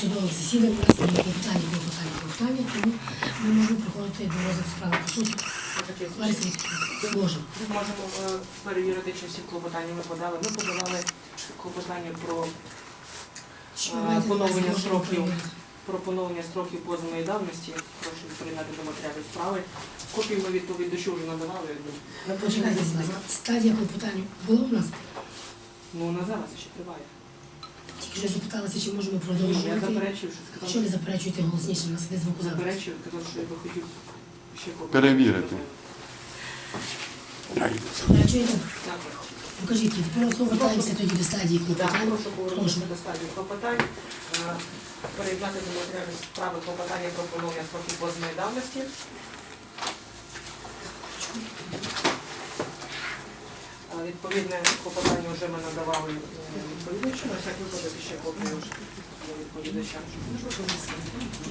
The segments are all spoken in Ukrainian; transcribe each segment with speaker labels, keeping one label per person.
Speaker 1: судових засідань, у нас є клопотання, тому ми можемо приходити до розгляду справи по суті. Лариса Вікторівна, можемо.
Speaker 2: Ми можемо перевірити, чи всі клопотання ми подали. Ми подавали клопотання про поновлення строків позовної давності. Прошу прийняти до матеріалів справи. Копію ми відповідачу вже надавали.
Speaker 1: Почекайте, стадія клопотання була у нас?
Speaker 2: Ну, вона зараз ще триває.
Speaker 1: Тільки вже запиталася, чи можемо
Speaker 2: Я
Speaker 1: продовжувати.
Speaker 2: заперечив, що сказав.
Speaker 1: Що не заперечуєте голосніше, у нас іде звукозапис.
Speaker 2: Заперечив, казав, що я би хотів ще копію.
Speaker 3: Перевірити.
Speaker 1: Заперечуєте?
Speaker 2: Так.
Speaker 1: Покажіть, тепер знову вертаємося тоді до стадії
Speaker 2: Так,
Speaker 1: клопотання.
Speaker 2: прошу повернутися до стадії клопотань. Переглянути до матеріалів справи клопотання про поновлення строків позовної давності. Відповідне клопотання вже ми надавали відповідачу, на всяк випадок ще копію відповідача. І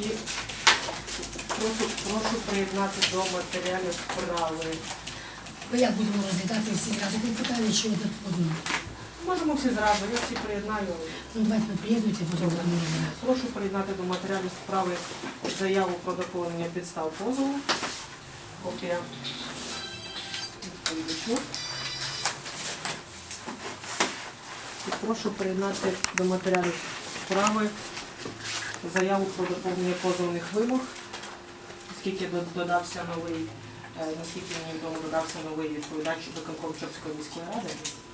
Speaker 2: прошу приєднати до матеріалів справи.
Speaker 1: Ми як будемо розглядати всі зразу клопотання, чи одне по одному?
Speaker 2: Можемо всі зразу, я всі приєднаю.
Speaker 1: Ну давайте ви приєднуйте, потім будемо розглядати.
Speaker 2: Прошу приєднати до матеріалів справи заяву про доповнення підстав позову. Копія відповідачу. І прошу приєднати до матеріалів справи заяву про доповнення позовних вимог, оскільки додався новий, наскільки мені відомо, додався новий відповідач виконкому Чопської міської ради.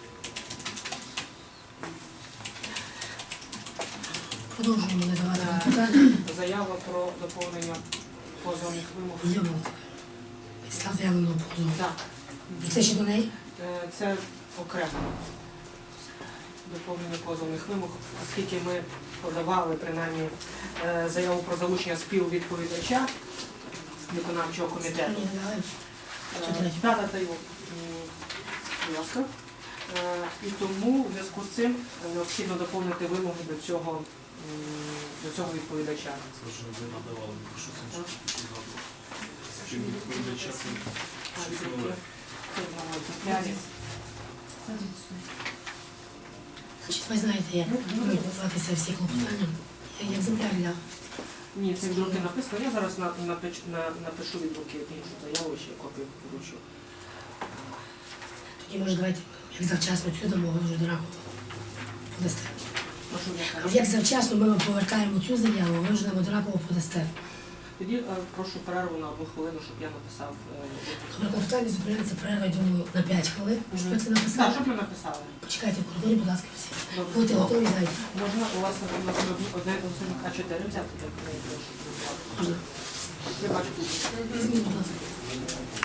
Speaker 1: Продовжуємо надавати питання.
Speaker 2: Заява про доповнення позовних вимог.
Speaker 1: Зйомок. Підстав заявленого позову.
Speaker 2: Так.
Speaker 1: Це ще до неї?
Speaker 2: Це окремо доповнення позовних вимог, оскільки ми подавали принаймні заяву про залучення співвідповідача виконавчого комітету.
Speaker 1: Ні, давай.
Speaker 2: Дата та його, будь ласка. І тому в зв'язку з цим необхідно доповнити вимоги до цього відповідача.
Speaker 4: Це вже ви надавали, що це співвідповідача.
Speaker 1: Значить, ви знаєте, як готуватися всі клопотання. Я екземпляр для...
Speaker 2: Ні, це від руки написано. Я зараз напишу від руки іншу заяву, ще копію вручу.
Speaker 1: Тоді, може, давайте, як завчасно цю дамо, ви вже до ранку подасте.
Speaker 2: Прошу,
Speaker 1: Кажу, як завчасно ми вам повертаємо цю заяву, ви вже нам однаково подасте.
Speaker 2: Тоді прошу перерву на 1 хвилину, щоб я написав.
Speaker 1: Добре, клопотання зупиняється перерва, я думаю, на 5 хвилин. Щоб ви це
Speaker 2: Так,
Speaker 1: написали.
Speaker 2: щоб ми написали.
Speaker 1: Почекайте в коридорі, будь ласка, всі.
Speaker 2: Добре.
Speaker 1: Будьте готові, зайдіть.
Speaker 2: Можна у вас одне А4 взяти?
Speaker 1: Можна.
Speaker 2: Я бачу тут.
Speaker 1: Візьміть, будь ласка.